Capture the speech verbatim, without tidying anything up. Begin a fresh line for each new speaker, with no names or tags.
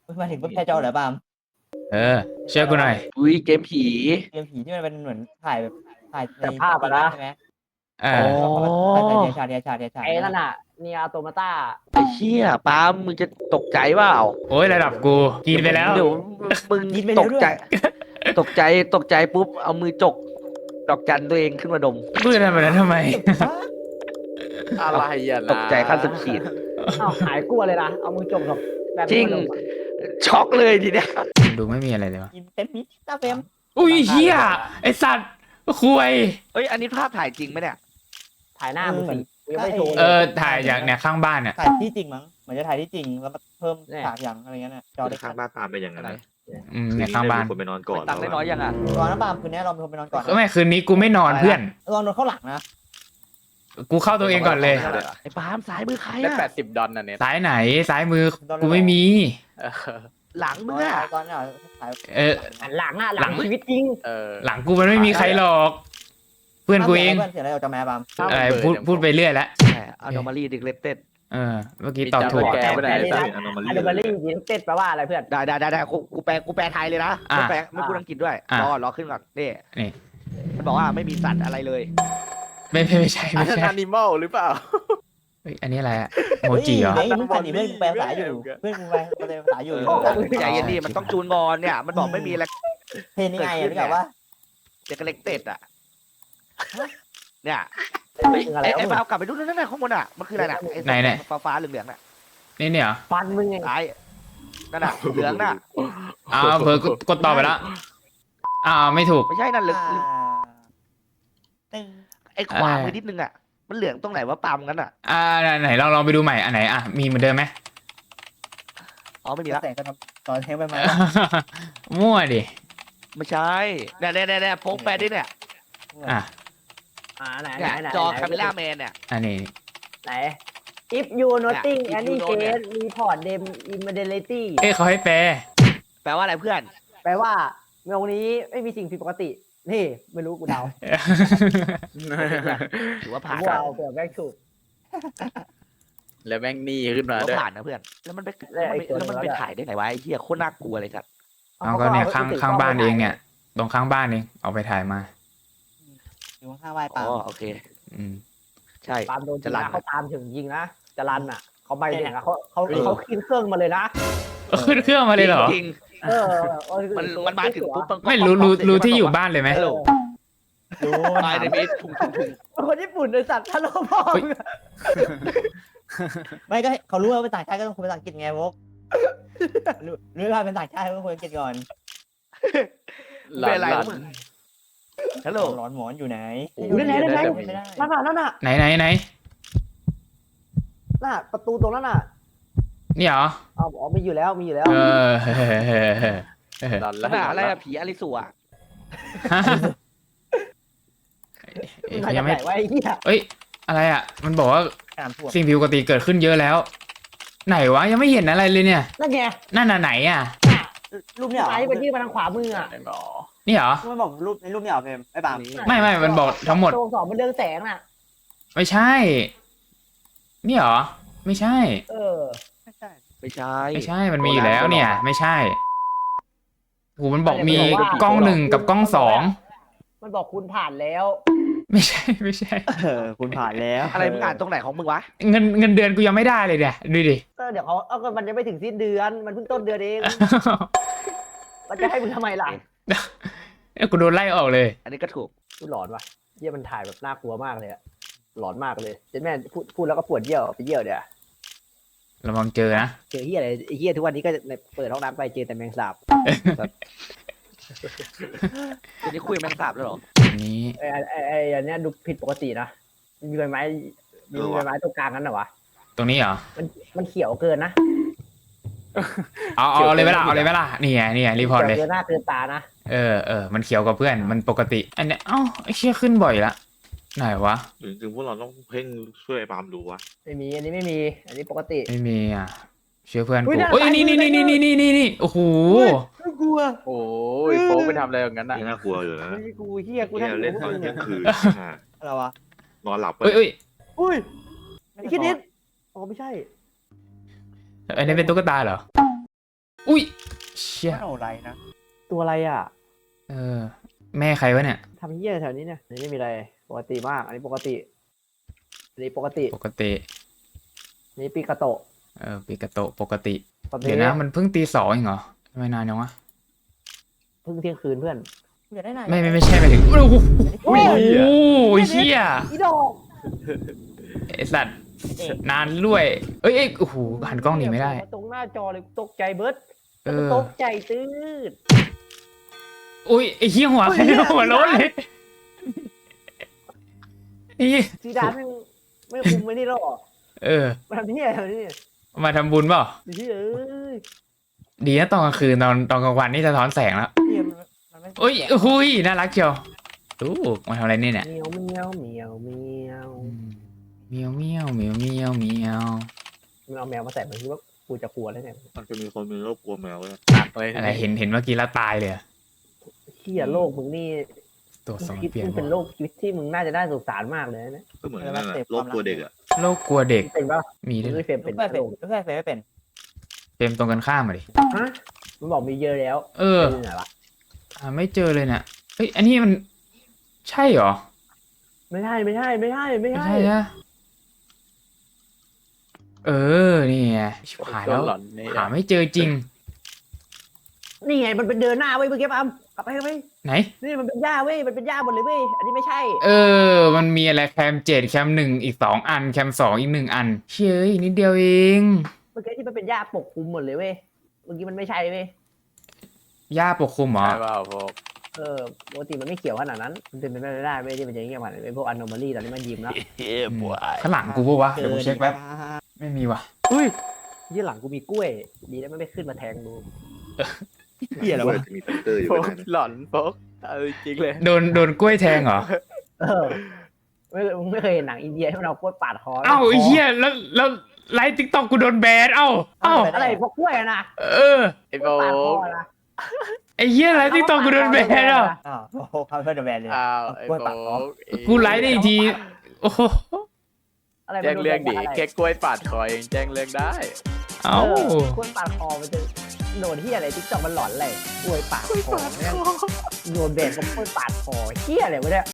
มาถึงปุ๊บแค่จอเหรอปาล์ม
เออเชื่อกูหน่อย
อุ้ยเกมผี
เกมผีที่มันเป็นเหมือนถ่ายแบบถ่ายใน
แต่ภาพอะนะ
ใช่ไหม
เอ
อ๋อ
อ
ถ่ายถ่ายเดียชาเดียชาเดียชา
ไอ้นั่นน่ะเนียโตมาต้า
ไอ้เชี่ยปาล์มมึงจะตกใจเปล่า
โอ้ยระดับกูกินไปแล้ว
เดี๋ยวมึงตกใจ ตกใจตกใจปุ๊บเอามือจกดอกจันตัวเองขึ้นมาดม
กูจะทำแบบนั้นทำไม
อะไรอ่ะ
ตกใจขั้นสุดขีด
อ้าวหายกลัวเลยนะเอามือจมแบบแบบ
จริง
นี้มาดมอะ
ช็อกเลยทีเนี้ย
ดูไม่มีอะไรเลยวะ
กินเต็มมิดตาเฟม
อุ้ยเฮียไอสัตว์คุย
เอ้ยอันนี้ภาพถ่ายจริงไหมเนี่ย
ถ่ายหน้ามึงสิกูยังไม่โชว์
เอ
เลย
อถ่ายจากเนี่ยข้างบ้านเนี่ย
ถ่ายที่จริงมั้งเหมือนจะถ่ายที่จริงแล้วมาเพิ่ม
เนี่ย
ฉากอย่างอะไรเงี้ยน่ะจอเล็ก
ข้างบ้านตามเป็นอย่างนั้นนะ
อืมเนี่ยข้างบ้าน
คนไปนอนก่อน
ตังค์ได้น้อยยังอ่ะ
รอนะปาล์มคืนนี้เราเป็นคนไปนอนก่อน
ก็ไม่คืนนี้กูไม่นอนเพื่อน
ลองนอนเข้าหลังนะ
กูเข้าตัวเองก่อนเลย
ไอ้ปาล์มสายมือใคร
ได้
อ่ะ
แปดสิบดอลน่ะเนี่ย
ซ้ายไหนซ้ายมือกูไม่มี
เออ
หลังมึง
น
อ่ะ
อนก่อนเนี่ยถ่าย
เออ
หันหลังอ่ะห
หลั
ลัง
ง
ชีวิตจริง
เออ
หลังกูมันไม่มีใครหรอก เพื่อนกูเอง
เพื่อนเสียอะไรออกจากแม่ปาล์ม
อะไรพูดพูดไปเรื่อยแล้ว
ใช่เอาดอมารีดิเกเลตเต็ด
เออเมื่อกี้ตอบถูก
แกไม่ได้
แต่
ใส่
แต่
อนอมา
อะ
ลี
ดมารี่จริงๆเต้นแปลว่าอะไรเพื่อน
ได้ได้ได้ได้กูกูแปลกูแปลไทยเลยนะ
อ่ะ
ไม่แปลไม่พูดอังกฤษด้วย
อ่ะ
รอรอขึ้นก่อนนี่
นี่
มันบอกว่าไม่มีสัตว์อะไรเลย
ไม่ไม่ไม่ใช่
อัน
ไม่
นั้น
ใช่
แอนิมอลหรือเปล่า
เฮ้ยอันนี้อะไรอะโมจิเหรอ
เฮ้ยมึงฝันดิเพื่อนกูแปลภาษาอยู่เพื่อนกูแปลภาษาอยู่
ใจเย็นดิมันต้องจูนงอนเนี่ย มันบอกไม่มีอะไร
เพลงยังไงอ่ะพี่กับว่า
เด็กเล็กเต็ดอ่ะเนี่ยเฮ้ยไอ้ไอ้เอากลับไปดูนั่นน่ะข้างบนอ่ะมันคืออะไรน่ะไอ้ฟ้าฟ้าเหลืองๆน่ะ
นี่เนี่ยเหรอ
ฟันมึงไง
ซ้ายนั่นน่ะเหลืองน่ะ
อ้าวเผลอกดต่อไปแล้วอ้าวไม่ถูก
ไม่ใช่นั่นเหลือง
ตึง
ไอ้ขวามือนิดนึงอ่ะมันเหลืองตรงไหนว่าปั๊มกันอ่ะ
อ่าไหนลองลองไปดูใหม่อันไหนอ่ะมีเหมือนเดิมไหม
อ๋อไม่มีแล้ว
แต่ก็ทำตอนเทปไปมา
มั่วดิ
ไม่ใช่เนี่ยเนี่ยเนี่ยโป๊กแปดดิเนี่ย
อ่ะ
อ่าไหนไหน
เนี่ย
ไหน
จอ
ไหน
คาเมล่าแมนเนี่ย
อันนี้
ไหน if you noting
เนี่ย if
any
you know เนี่ย
case report them immediately
เอ้ยเขาให้แปล
แปลว่าอะไรเพื่อน
แปลว่าเมื่อวันนี้ไม่มีสิ่งผิดปกติ นี่ไม่รู้กูเดา
ถือว่าผ่าน
กูเอาเผื่อแม่งถูก
แล้วแม่งหนี่ขึ้น
ถื
มา
อว่า
ด้วย
ผ่านนะเพื่อนแล้วมันไป
แล้วไอ้ตัว
แล้วมันไป
นั้นอะ
ถ่ายได้ไหนวะไอ้เหี้ยโคตรน่ากลัวเลยครับ
เอาก็เนี่ยข้างข้างบ้านเองเนี่ย ตรงข้างบ้านเองเอาไปถ่ายมา
อยู่ข้างไหว้
อ๋
ปาล์
อ
ม
โอเค
อืม
ใช่
ตามโดน
จะ
จะ
รั
รั
น
นเขาตามถึงยิงนะจะรันอ่ะเขาไปถึงอะเขาเขาเขาขึ้นเครื่องมาเลยนะ
ขึ้นเครื่องมาเลยเหรอ
จริง
เออ
ๆมันมันมาถึงปุ๊บนก็
ไม่รู้รู้
ป๊อปๆ
รู้
เสจ
ที่อยู่
มันบก
บ้านเลยไหม
ฮัลโหล
รู้
ตายในมิดทุ่งทุ่งทุ่ง
ว่าคนญี่ปุ่นไอสัตว์ฮัลโหลพ่อ
เฮ้ย
ไม่ก็เขารู้ว่าเป็นต่างชาติก็ต้องคุยภาษาอังกฤษไงวกรู้รู้ว่าเป็นต่างชาติก็ต้องคุยอังกฤษก่อน
หลอน
เป็นอะไร
หลอ
วะ
น
มึงฮัลโหล
ร้อนหมอนอยู่ไหน
อยู่ไหนไหนไหน
ไม่ได้
นั่นน่ะนั่นน่ะ
ไหนไหนไหน
น่ะประตูตรงนั้นน่ะ
นี่เหรอ
อ๋อมีอยู่แล้วมีอยู่แล้ว
เออเฮ้เฮ้เฮ้เฮ้เฮ้
หลอน
ข
แล้ว
นาดอะไรอะผีอลิสัวอะ
ฮะเอ้ยยังไม่
ไว้ไอ้เหี้ย
เอ้ยอะไรอ่ะ มันบอกว่า
น้ำท่วม
สิ่งผิดปกติเกิดขึ้นเยอะแล้ว ไหนวะยังไม่เห็นอะไรเลยเนี่ย
นั่นไง
นั่นน่ะไหนอ่ะ
รูปเนี่ยเหรอ
ไอ้ไปยื่นมาทางขวามืออ่ะ
ไอ้หมอ
นี่เหรอ
ไม่บอกรูปในรูปเนี่ยเหรอเพมไอ้ปาล์ม
ไม่ไม่มันบอกทั้งหมด
โดนสองมันเรืองแสงน่ะ
ไม่ใช่ นี่เหรอ ไม่ใช่
เออ
ไม่ใช่
ไม่ใช่
ไม่ใช่ มันมีอยู่แล้วเนี่ย ไม่ใช่โหมันบอกมีกล้องหนึ่งกับกล้องสอง
มันบอกคุณผ่านแล้ว
ไม่ใช่ไม่ใช่
เออคุณผ่านแล้ว
อะไรมึงอ่านตรงไหนของมึงวะ
เงินเงินเดือนกูยังไม่ได้เลยเนี่ยดูดิ
ก็เดี๋ยวเขาเอาก็มันยังไม่ถึงสิ้นเดือน มันเพิ่งต้นเดือนเองมันจะให้มึงทำไมล่ะ
เอ้ยกูโดนไล่ออกเลย
อันนี้ก็ถูก
กูหลอนว่ะเยี่ยมันถ่ายแบบน่ากลัวมากเลยอะหลอนมากเลยเจ๊แม่พูดพูดแล้วก็ปวดเยี่ยวไปเยี่ยวเดี๋ยว
ระวังเจอนะ
เจอเฮียอะไรไอ้เฮียทุกวันนี้ก็เปิดห้องน้ำไปเจอแต่แมงสาบ
อันนี้คุยแมงสาบแล้วเหรอ
อันนี้
ไอ้ไอ้ไอ้อันเนี้ยดูผิดปกตินะมีใบไม้มีใบไม้ตรงกลางนั้นเหรอวะ
ตรงนี้เหรอ
มันมันเขียวเกินนะ
เอาเอาเลยไหมล่ะเอาเลยไหมล่ะนี่ไงนี่ไงรีพอร์ตเลย
เกินหน้าเกินตานะ
เออเออมันเขียวกับเพื่อนมันปกติ อันเนี้ยเอ้าไอ้เชี่ยขึ้นบ่อยละไหนวะ
จริงๆพวกเราต้องเพ่งช่วยไอ้ปาล์มดูวะ
ไม่มีอันนี้ไม่มี อันนี้ปกติ
ไม่มีอ่ะเชื่อเพื่อน
อุ๊
กู
ยน่า
เอ้ย
ตาย
นี่นี่
มื
นี่
อ
นี่นี่นี่นี่โอ้โห
ไม่กลัว
โอ้ยโป๊กไปทำอะไรอย่างนั้นอ่ะยังน่ากลัวอยู่นะ
ไม่กูเฮียกู
เหี้
นั่
ย
ง
เล่นต
กู
อน
มึง
เที่ย
อะ
งคืนอ่ะ
อะไรวะ
นอนหลับไป
เอ้ยเอ้ย
อุ้ยไอ้คิดนิดอ๋อไม่ใช่
อันนี้เป็นตุ๊กตาเหรออุ้ยเชี่ย
ไม่เอาอะไรนะ
ตัวอะไรอ่ะ
เออ แม่ใครวะเนี่ย
ทำเหี้ยแถวนี้เนี่ยอันนี้ไม่มีอะไรปกติมากอันนี้ปกติอันนี้ปกติ
ปกติ
อันนี้ปีกาโตะ
เออปิกาโตะปกติ
ปกติ
เดี๋ยวนะมันเพิ่งตีสองเองเหรอทำไมนานจังวะ
เพิ่งเที่ยงคืนเพื่อน
อยากได้ไหน
ไม่ไม่ไม่ใช่ไปถึงโอ้โห
โอ้
โอ้
ย
โหเชี่ย
อีดอก
ไอสัตว์นานด้วยเอ้ยเอ้ยโอ้โหหันกล้องหนีไม่ได้
ตรงหน้าจอเลยตกใจเบิร์ด
เออ
ตกใจตื้ด
อุ้ยไอ้เหี้ยหัวใครหัวโล้นเลยไอ้เหี้ย
ซีดานไม่ไม่คุมไม่นี่หรอ
เออ
มาทำเหี้ยอะไรนี่
มาทำบุญเปล่า
เหี้ยเอ้ย
ดีนะตอนกลางคืนตอนตอนกลางวันนี่สะท้อนแสงแล้ว
เหี้ยมันมันไม่
โอ้ยหุยน่ารักเชียวอู้มาทำอะไรนี่เนี่ย
เมียวเมียวเมียวเมียว
อืมเมียวเมียวเมียวเมียวเมียว
มันเอาแมวมาใส่มันคิดว่ากูจะกลัวแล้วไง
มันจะมีคนมีโรคกลัวแมวเลย
ตัดเลย
อะไรเห็นเห็นเมื่อกี้แล้วตายเลยอะ
เหี้ยโลกมึงนี่
ตัวส
มึ
อง ง
คิด
เปลี่ยน
มึงเป็นโลกชีวิตที่มึงน่าจะได้สงสารมากเลยนะ
ก็เหมือนนั่นแหละโรคกลัวเด็กอ่ะ
โรคกลัวเด็ก
เป็นป่ะ
มี
มึ
ด้
ง
วย
ไม่เฟรม
เป็
เป็น น
ไม่เป็น
โลก
ไม่เป็นไม่เป็น
เฟรมตรงกันข้ามมาดิ
ฮะมันบอกมีเยอะแล้ว
เออ
เป็นไงวะ
อ่าไม่เจอเลยเนี่ยเฮ้ยอันนี้มันใช่เหรอ
ไม่ใช่ไม่ใช่ไม่ใช่ไม่
ไม่
ใช่
ใช่นะเออนี่ไงชิบหายแล้ว
หลอนนี่
หาไม่เจอจริง
นี่ไงมันเป็นเดินหน้าเว้ยเมื่อกี้ปั๊มกลับไปกลับไป
ไหน
นี่มันเป็นหญ้าเว้ยมันเป็นหญ้าหมดเลยเว้ยอันนี้ไม่ใช่
เออ มันมีอะไรแคมเจ็ดแคมหนึ่งอีกสองอันแคมสองอีกหนึ่งอันเชยนิดเดียวเอง
เมื่อกี้ที่มันเป็นหญ้าปกคลุมหมดเลยเว้ยเมื่อกี้มันไม่ใช่เว้ย
หญ้าปกคลุมเหรอ
ใช่เปล่าพวก
เออปกติมันไม่เขียวขนาดนั้นมันเป็นไปไม่ได้เว้ยที่มันจะเงี้ยมันเป็นพวกอ n น m a ลี่ตอนนี้มันยิ้มแล้ว
เฮ้ยบวย
ข้างหลังกูปะวะเดี๋ยวกูเช็คแป๊บไม่มีว่ะ
อุ้ยยี่หลังกูมีกล้วย ดีแล้วไม่ไปขึ้นมาแทงดู
เหี้ยอะไรวะ
จะมีแฟกเตอร์อยู่
พวก
ข้างในนะ
หลอนพวกเอาจริงเลย
โดนโดนกล้วยแทงเหรอ
เออไม่มึงไม่เคยเห็นหนังอินเดียที่มันเอากล้วยปาดคอ
เอ้าไอ้เหี้ยแล้วแล้วไลฟ์ติ๊กต็อกกูโดนแบนเอ้าเอ้า
อะไรพวกกล้วยอะนะ
เออ
ไอ้
ก
โบ
ล้วยปาดคอ
ก
นะ
ไอ้เหี้ยไลฟ์ติ๊กต็อกกูโดนแบนอ่ะ
อ้าวโอ้โหเขาเพื่อนแบนเลย
อ้าวไอ้
กล้วย
โบ
ปากคอ
ก
กูไลฟ์ได้อีกทีโอ้โห
อะไร
แจ้งเรื่องดิ
มันโน
แค่กล้วยปาดคอเองแจ้งเรื่องได้
เอ้า
เออกล้วยปาดคอมันจะโดนที่อะไรทิกตอกมันหลอนเลยกล้วยปาดคอแม่งโดนแบนเพราะกล้วยปาดคอเฮี้ยอะไรวะเนี่ย